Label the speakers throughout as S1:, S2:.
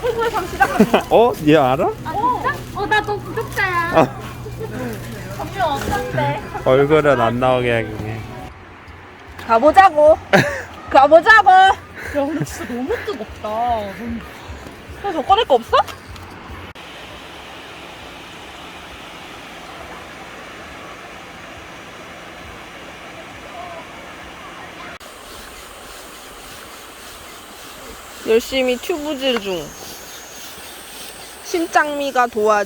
S1: 최고의 밤 시작합니다.
S2: 얘 알아?
S1: 아 진짜? 나 너 구독자야. 점점 어떤데?
S2: 얼굴은 안 나오게 하긴
S1: 가보자고. 가보자고. 야 근데 진짜 너무 뜨겁다. 저 꺼낼 거 없어?
S3: 열심히 튜브질 중. 신짱미가 도와주.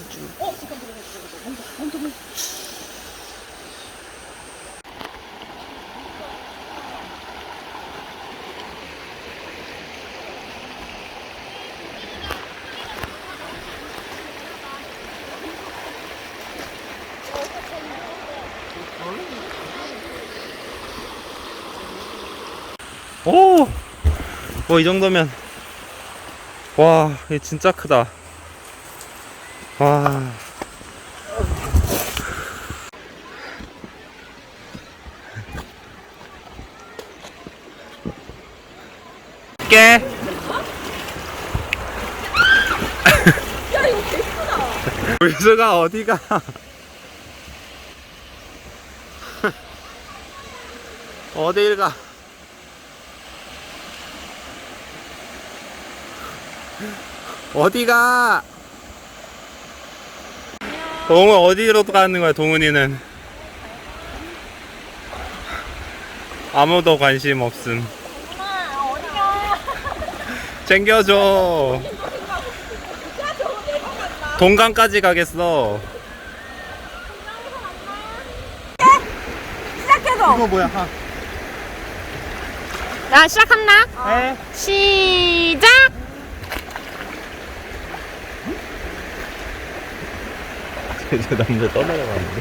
S2: 이 정도면 와, 이게 진짜 크다. 와. 깨.
S1: 야 이거 개크다.
S2: 물수가 어디가? 어딜 가? 어디가? 동훈 어디로 가는 거야, 동훈이는? 아무도 관심 없음.
S1: 어디가?
S2: 챙겨줘. 동강까지 가겠어.
S1: 시작해줘.
S2: 이거 뭐야?
S3: 나 시작한다.
S2: 네.
S3: 시작.
S2: 저 남자 떠내려가는데?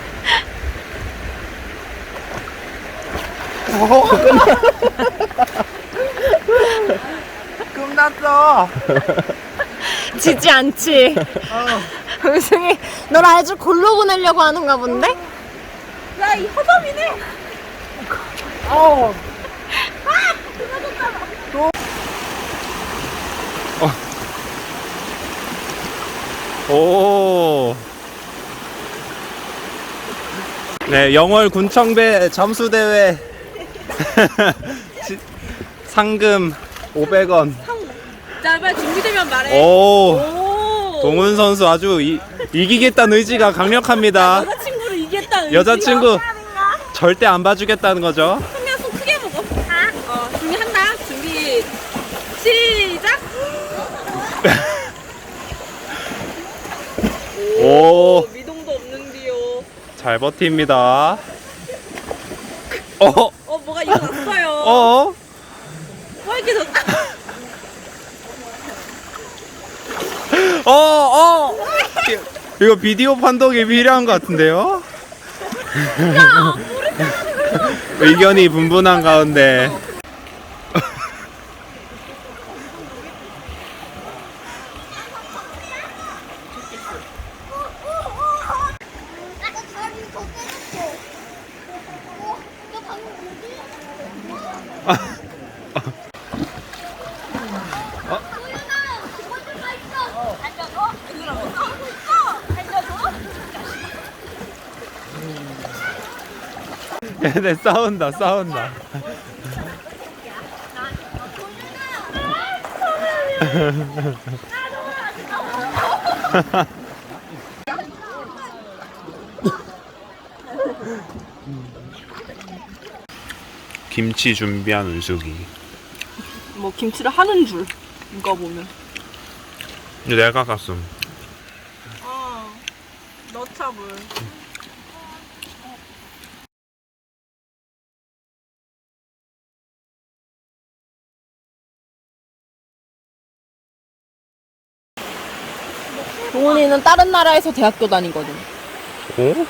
S2: 끝났어.
S3: 지지 않지. 우승이 널 아주 골로 보내려고 하는가 본데?
S1: 야 이 허접이네.
S2: 오. 네, 영월 군청배 잠수대회 상금 500원.
S1: 자 빨리 준비되면 말해.
S2: 오. 동훈 선수 아주 이기겠다는 의지가 강력합니다.
S1: 여자친구를 이겼다는
S2: 여자친구 절대 안 봐주겠다는 거죠.
S1: 한명 손 크게 먹어. 준비한다. 준비 시작.
S2: 오.
S1: 미동도 없는데요.
S2: 잘 버팁니다.
S1: 뭐가 일어났어요. 뭐 이렇게 좋다.
S2: 이거 비디오 판독이 필요한 것 같은데요? 의견이 분분한 가운데 얘네 싸운다. 김치 준비한 은숙이.
S1: 뭐 김치를 하는 줄. 이거 보면.
S2: 내가 갔음.
S1: 넣자 물.
S3: 동훈이는 다른 나라에서 대학교 다니거든.
S2: 어?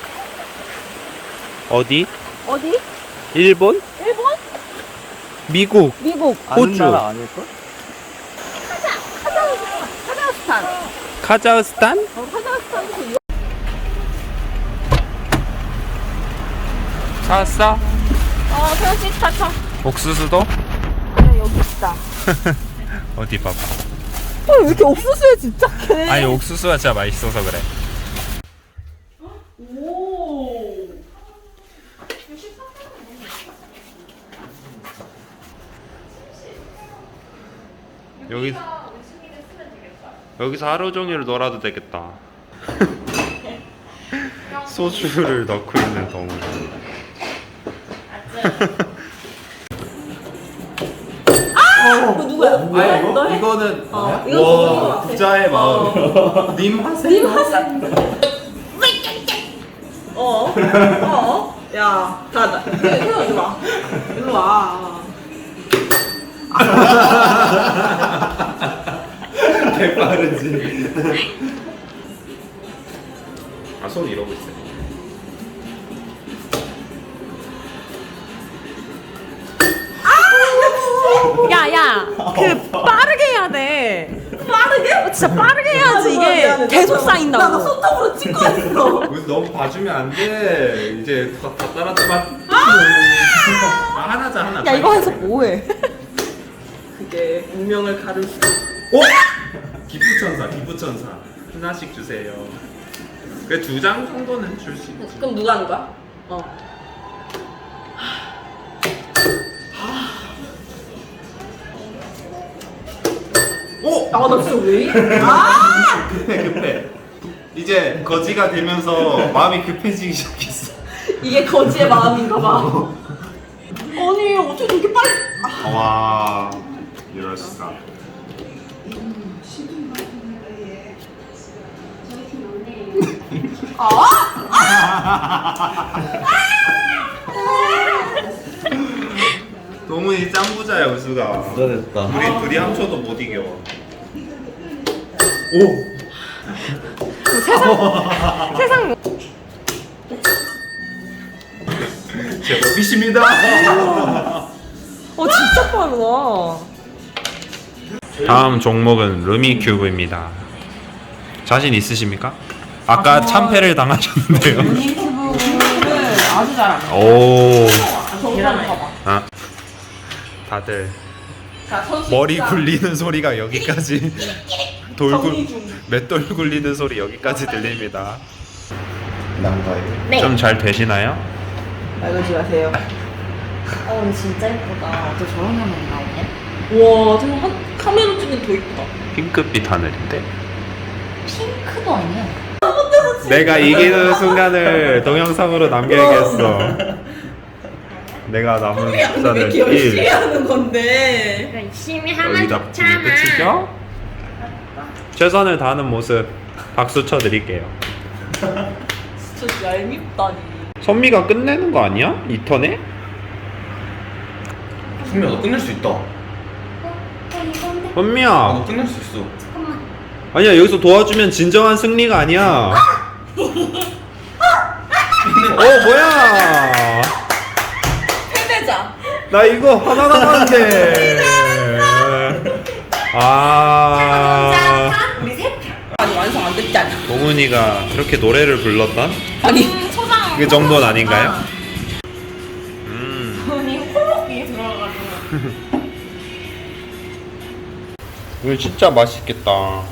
S2: 어디?
S3: 어디?
S2: 일본?
S3: 일본?
S2: 미국?
S3: 미국.
S2: 호주?
S4: 아닐걸?
S3: 카자흐스탄.
S2: 카자흐스탄?
S3: 카자흐스탄에서 이거.
S2: 찾았어?
S3: 태연씨 차차.
S2: 옥수수도?
S3: 그래 여기 있다.
S2: 어디 봐봐.
S3: 왜 이렇게 옥수수에 집착해?
S2: 아니 옥수수가 진짜 맛있어서 그래. 여기서 하루 종일 놀아도 되겠다. 소주를 넣고 있는 동물.
S3: 그거 누구야?
S2: 아니 이거는
S3: 이거
S2: 부자의 마음. 님 하세요.
S3: 야, 자, 일로 와. 일로 와.
S2: 개 빠르지. 아, 손 이러고 있어.
S3: 야, 그 빠르게 해야 돼. 빠르게? 진짜 빠르게 해야지 이게 계속 쌓인다고. 나 손톱으로 찍고 있어.
S2: 너무 봐주면 안 돼. 이제 다 따라잡아. 하나자 하나.
S3: 야, 이거 해서 뭐해? 그게 운명을 가를 수.
S2: 오! 기부천사. 하나씩 주세요. 그 2장 정도는 줄 수 있지.
S3: 그럼 누가 하는 거야?
S2: 오!
S3: 나 진짜 왜 이래?
S2: 급해. 이제 거지가 되면서 마음이 급해지기 시작했어.
S3: 이게 거지의 마음인가 봐. 아니, 어떻게 그렇게 빨리.
S2: 와, 이럴 수가. 동훈이 짱부자야, 우수가.
S4: 부자 됐다.
S2: 우리 둘이 합쳐도 못 이겨.
S3: 세상.
S2: 제 법이십니다.
S3: 진짜 빠르다.
S2: 다음 종목은 루미큐브입니다. 자신 있으십니까? 아까 참패를 당하셨는데요.
S3: 루미큐브를 아주 잘합니다.
S2: 오.
S3: 계란을 봐봐.
S2: 아, 다들
S3: 자, 선수
S2: 머리
S3: 입장.
S2: 굴리는 소리가 여기까지 맷돌 굴리는 소리 여기까지 들립니다.
S4: 난가요?
S2: 좀 잘 되시나요?
S3: 말 걸지 마세요.
S1: 근데 진짜 예쁘다. 어떻게 저런 화면이 나오네?
S3: 와, 정말 카메라 찍으면 더 이쁘다.
S2: 핑크빛 하늘인데?
S1: 핑크도 아니야.
S2: 내가 이기는 순간을 동영상으로 남겨야겠어. 내가 남은 숫자는 1.
S3: 하는 건데.
S1: 열심히 하면
S2: 여기다 붙이면 끝이죠? 최선을 다하는 모습 박수 쳐드릴게요.
S3: 진짜 얄밉다니.
S2: 선미가 끝내는 거 아니야? 이 턴에?
S4: 승미야 너 끝낼 수 있다.
S1: 이건데?
S2: 선미야,
S4: 너 끝낼 수 있어.
S1: 잠깐만.
S2: 아니야, 여기서 도와주면 진정한 승리가 아니야. 뭐야?
S3: 끝내자.
S2: 나 이거 하나 남았는데.
S3: 우리 셋. 아니, 완성 안 됐지 않냐?
S2: 동훈이가 그렇게 노래를 불렀던
S3: 아니,
S1: 초장.
S2: 그 정도는 아닌가요?
S1: 돈이 홀록이 들어가가지고.
S2: 이거 진짜 맛있겠다.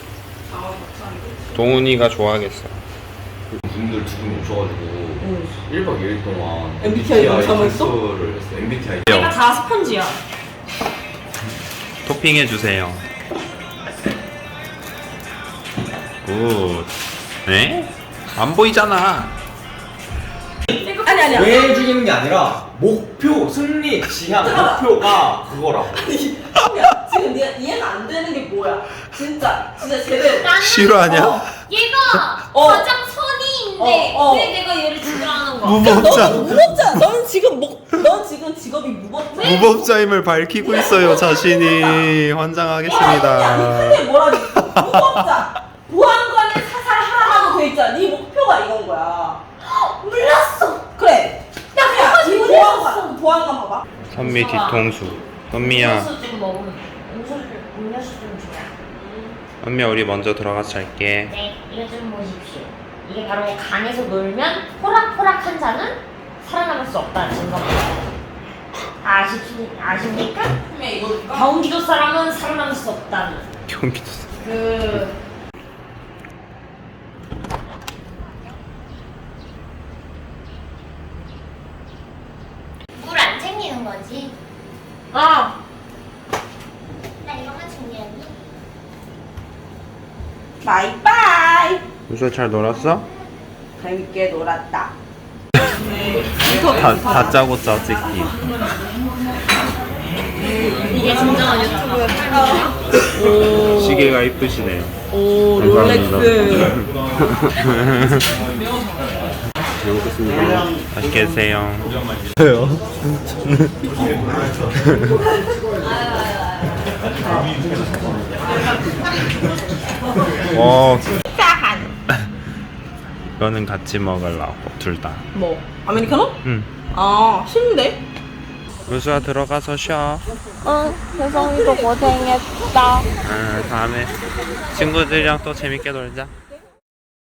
S2: 동훈이가 좋아하겠어.
S4: 분들 두 분이 오셔가지고 1박 2일 동안
S3: MBTI 영상을 했어?
S4: 를 했어. MBTI.
S1: 내가 다 스펀지야.
S2: 토핑해 주세요. 굿. 네? 안 보이잖아.
S3: 아니야.
S4: 왜 죽이는 게 아니라 목표, 승리, 지향, 목표가 그거라고.
S3: 야, 지금 네가 이해가 안 되는 게 뭐야? 진짜 제대로.
S1: 나는
S2: 싫어하냐?
S1: 얘가
S3: 어.
S1: 가장 선의인데
S3: 어.
S1: 왜 내가 얘를 죽이라는 거야?
S2: 무법자.
S3: 너는 무법자. 넌 지금 직업이 무법자.
S2: 무법자임을 밝히고 있어요, 자신이. 환장하겠습니다.
S3: 그게 뭐라지? 무법자. 보안관에 사살하라고 돼 있잖아. 네 목표가 이건 거야.
S1: 몰랐어.
S3: 그래. 야, 이 보안관 봐봐.
S2: 선미 뒤통수. 선미야,
S1: 음료수 좀 먹으면 음료수 좀 줘요.
S2: 선미야, 우리 먼저 들어가서 잘게.
S1: 네, 이거 좀 보십시오. 이게 바로 강에서 놀면 호락호락한 자는 살아남을 수 없다는 증거입니다. 아십니까?
S3: 이거
S1: 경기도 사람은 살아남을 수 없다는.
S2: 전기 주스.
S1: 물 안 챙기는 거지?
S3: 어.
S1: 나 이거만 챙겨야지.
S3: 바이바이.
S2: 요새 잘 놀았어?
S3: 재밌게 놀았다.
S2: 다짜고짜 찍기.
S1: 이게 진정한 유튜브의 삶이야?
S2: 시계가 이쁘시네요.
S3: 오,
S2: 감사합니다.
S3: 롤렉스.
S2: 잘 먹겠습니다. 맛있게 드세요. 와. 이거는 같이 먹으려고 둘 다.
S3: 뭐, 아메리카노?
S2: 응.
S3: 아, 싫은데?
S2: 요수야 들어가서 쉬어.
S1: 혜성이도 고생했다.
S2: 다음에 친구들이랑 또 재밌게 놀자.